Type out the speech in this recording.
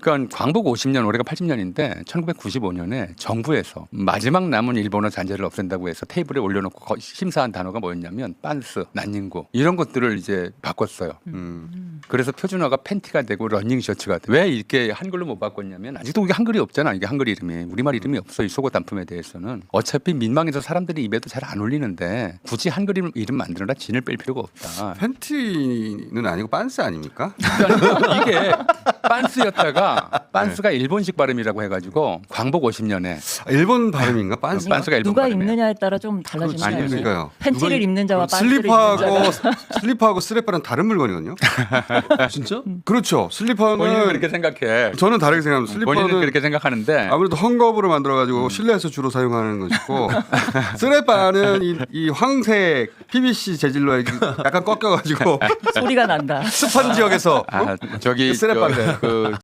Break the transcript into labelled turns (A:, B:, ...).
A: 그러니까 광복 50년 올해가 80년인데 1995년에 정부에서 마지막 남은 일본어 잔재를 없앤다고 해서 테이블에 올려놓고 심사한 단어가 뭐였냐면 빤스, 난닝구 이런 것들을 이제 바꿨어요. 그래서 표준어가 팬티가 되고 러닝 셔츠가 돼. 왜 이렇게 한글로 못 바꿨냐면 아직도 이게 한글이 없잖아. 이게 한글 이름이 우리말 이름이 없어. 이 속옷 단품에 대해서는 어차피 민망해서 사람들이 입에도 잘 안 올리는데 굳이 한글 이름 만들어라 진을 뺄 필요가 없다.
B: 팬티는 아니고 빤스 아닙니까?
A: 그러니까 이게 빤스였다가 빤스가 일본식 발음이라고 해가지고 광복 50년에
B: 일본 발음인가 빤스?
A: 빤스가 일본
C: 누가
A: 발음이에요.
C: 입느냐에 따라 좀 달라지는
A: 아니,
C: 거예요.
B: 그러니까요.
C: 팬티를 입는 자와 빤스를 입는 자가
B: 슬리퍼하고 스레퍼는 다른 물건이거든요.
D: 진짜?
B: 그렇죠. 슬리퍼는
A: 본인은 그렇게 생각해.
B: 저는 다르게 생각합니다.
A: 본인은
B: 슬리퍼는
A: 그렇게 생각하는데
B: 아무래도 헝겊으로 만들어가지고 실내에서 주로 사용하는 것이고 스레퍼는 이 황색 PVC 재질로 약간 꺾여가지고
C: 소리가 난다.
B: 습한 지역에서
A: 저기
B: 쓰레빠인데.
A: 그